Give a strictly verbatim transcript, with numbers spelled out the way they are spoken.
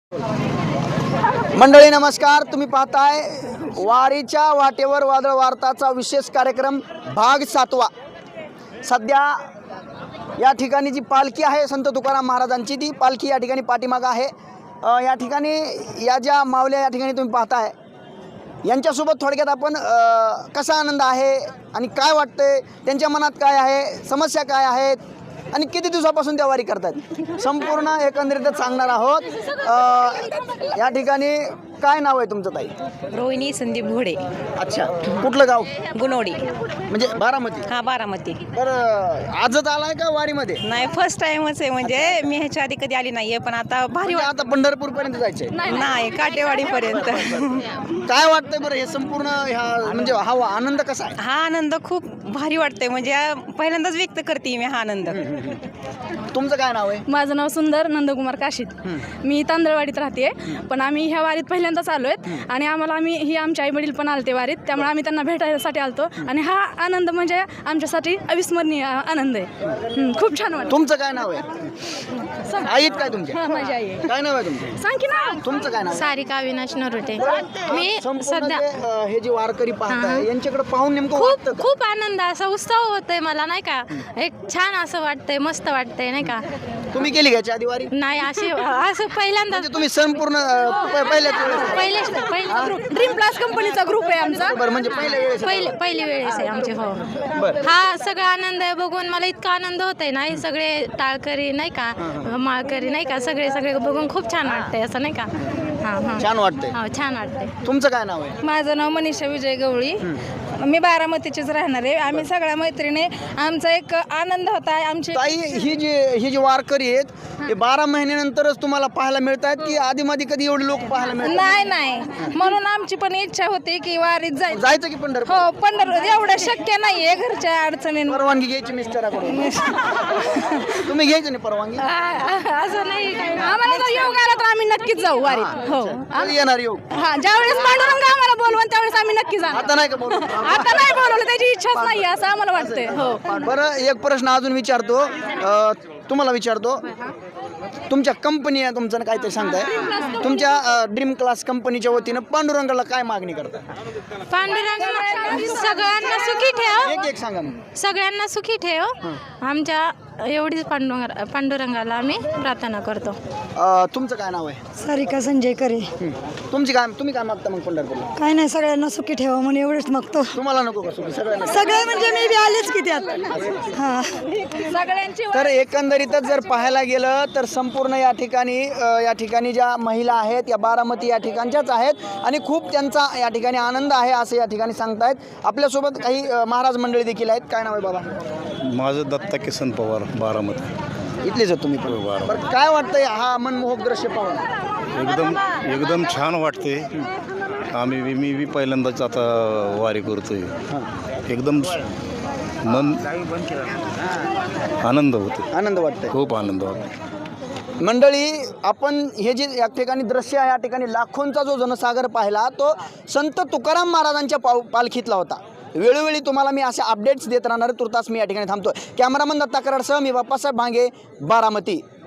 मंडळी नमस्कार, तुम्ही पाहताय वारीच्या वाटेवर वादळ वार्ताचा विशेष कार्यक्रम भाग सातवा। सध्या या ठिकाणी जी पालखी आहे संत तुकाराम महाराजांची, ती पालखी या ठिकाणी पाठीमागं आहे। या ठिकाणी या ज्या माऊल्या या ठिकाणी तुम्ही पाहताय यांच्यासोबत थोडक्यात आपण कसा आनंद आहे आणि काय वाटतंय, त्यांच्या मनात काय आहे, समस्या काय आहेत आणि किती दिवसापासून त्या वारी करतात संपूर्ण एकंदरीतच सांगणार आहोत। या ठिकाणी काय नाव आहे तुमचं ताई? रोहिणी संदीप घोडे। अच्छा, कुठलं गाव? गुणवडी, म्हणजे बारामती? हा बारामती। बरं, आजच आलाय का वारीमध्ये? नाही, फर्स्ट टाइमच आहे, म्हणजे मी ह्याच्या आधी कधी आली नाहीये, पण आता भारी म्हणजे आता पंढरपूर पर्यंत जायचंय? नाही, काटेवाडी पर्यंत। काय वाटतंय बरं हे संपूर्ण ह्या म्हणजे हा आनंद कसा आहे? हा आनंद खूप भारी वाटतंय, म्हणजे पहिल्यांदाच व्यक्त करते मी हा आनंद। तुमचं काय नाव आहे? माझं नाव सुंदर नंदकुमार काशीत। मी तांदळवाडीत राहते, पण आम्ही ह्या वारीत पहिल्यांदाच आलोय आणि आम्हाला आम्ही ही आमचे आई वडील पण आलते वारीत, त्यामुळे आम्ही त्यांना भेटायसाठी आलतो आणि हा आनंद म्हणजे आमच्यासाठी अविस्मरणीय आनंद आहे। खूप छान वाटतं। तुमचं काय नाव आहे? आईत काय तुमची? हा, माझी आई आहे। काय नाव आहे तुमचं? सांग की ना। तुमचं काय नाव? सारिका अविनाश नरोटे। मी संपूर्ण सध्या जे, अ, हे जे वारकरी पाहताय यांच्याकडे पाहून नेमकं खूप वाटतं का? खूप आनंद, असा उत्सव होतोय मला, नाही का, एक छान असं वाटतंय, मस्त वाटतंय, नाही का। तुम्ही केली घ्यायची आधी वारी? नाही, असे असं पहिल्यांदा म्हणजे तुम्ही संपूर्ण अ, प- पहिल्याच वेळेस? पहिले पहिले ग्रुप ड्रीम प्लस कंपनीचा ग्रुप आहे आमचा। बरं, म्हणजे पहिल्या वेळेस? पहिले पहिली वेळेस आहे आमची। हो, बरं. हा सगळा आनंद आहे बघून मला इतका आनंद होतोय ना, हे सगळे टाळकरी नाही का, माळकरी नाही का, सगळे सगळे बघून खूप छान वाटतंय, असं नाही का। हा हा छान वाटतंय। हो, छान वाटतंय। तुमचं काय नाव आहे? माझं नाव मनीषा विजय गवळी, मी बारामतीचीच राहणार आहे। आम्ही सगळ्या मैत्रिणी, आमचा एक आनंद होता आमची। ताई, ही जी ही जी वारकरी आहेत हे बारा महिन्यानंतरच तुम्हाला पाहायला मिळत आहेत की आधी मध्ये कधी एवढे लोक पाहायला मिळतात? नाही नाही, म्हणून आमची पण इच्छा होती की वारीत जायचं। जायचं की पंढरपूर? हो, पंढरपूर एवढं शक्य नाहीये घरच्या अडचणींवर। परवानगी घ्यायची मिस्टराकडून? तुम्ही घ्यायचं नाही परवानगी? असं नाही, आम्हाला जर योग आला तर आम्ही नक्कीच जाऊ वारीत। हो, कधी येणार येऊ? हा, ज्यावेळेस पांडुरंग आम्हाला बोलवून त्यावेळेस आम्ही नक्की जाणार। आता नाही का बोलू? आता नाही बोलवलं, त्याची इच्छाच नाही असं आम्हाला वाटतंय। हो, बरं, एक प्रश्न अजून विचारतो, अ, तुम्हाला विचारतो, तुमच्या कंपनी आहे, तुमचं काहीतरी सांगताय, तुमच्या ड्रीम क्लास कंपनीच्या वतीनं पांडुरंगाला काय मागणी करता? पांडुरंग सगळ्यांना सुखी ठेव, एक एक सांगा ना. सगळ्यांना सुखी ठेव, आमच्या एवढीच पांडुरंग पांडुरंगाला आम्ही प्रार्थना करतो। अ, तुमचं काय नाव आहे? सारिका संजय करे। हं. तुमची काय तुम्ही काय मागता मग पंढरपूरला? काय नाही, सगळ्यांना सुखी ठेवा म्हणून एवढंच मागतो। तुम्हाला नको का सुखी? सगळ्यांना? सगळे म्हणजे मी बी आलेच की त्यात। हा, सगळ्यांची तर एकंदरीतच जर पाहायला गेलं तर संपूर्ण या ठिकाणी अ, या ठिकाणी ज्या महिला आहेत या बारामती या ठिकाणच्याच आहेत आणि खूप त्यांचा या ठिकाणी आनंद आहे असं या ठिकाणी सांगतायत। आपल्यासोबत काही अ, महाराज मंडळी देखील आहेत। काय नाव आहे बाबा? माझं दत्ता किसन पवार, बारामती। इथलेच आहेत तुम्ही पण? बारामती। बरं, काय वाटतंय हा मनमोहक दृश्य पाहून? एकदम एकदम छान वाटते। आम्ही बी- मी बी पहिल्यांदाच आता वारी करतोय, एकदम मन आनंद होतो, आनंद वाटतंय, खूप आनंद होतो। मंडळी। आपण हे जे या ठिकाणी दृश्य आहे, या ठिकाणी लाखोंचा जो जनसागर पाहिला तो संत तुकाराम महाराजांच्या पाव पालखीतला होता। वेळोवेळी तुम्हाला मी असे अपडेट्स देत राहणार। तुर्तास मी या ठिकाणी थांबतो। कॅमेरामन दत्ता कराडसह मी बाप्पासाहेब भांगे, बारामती।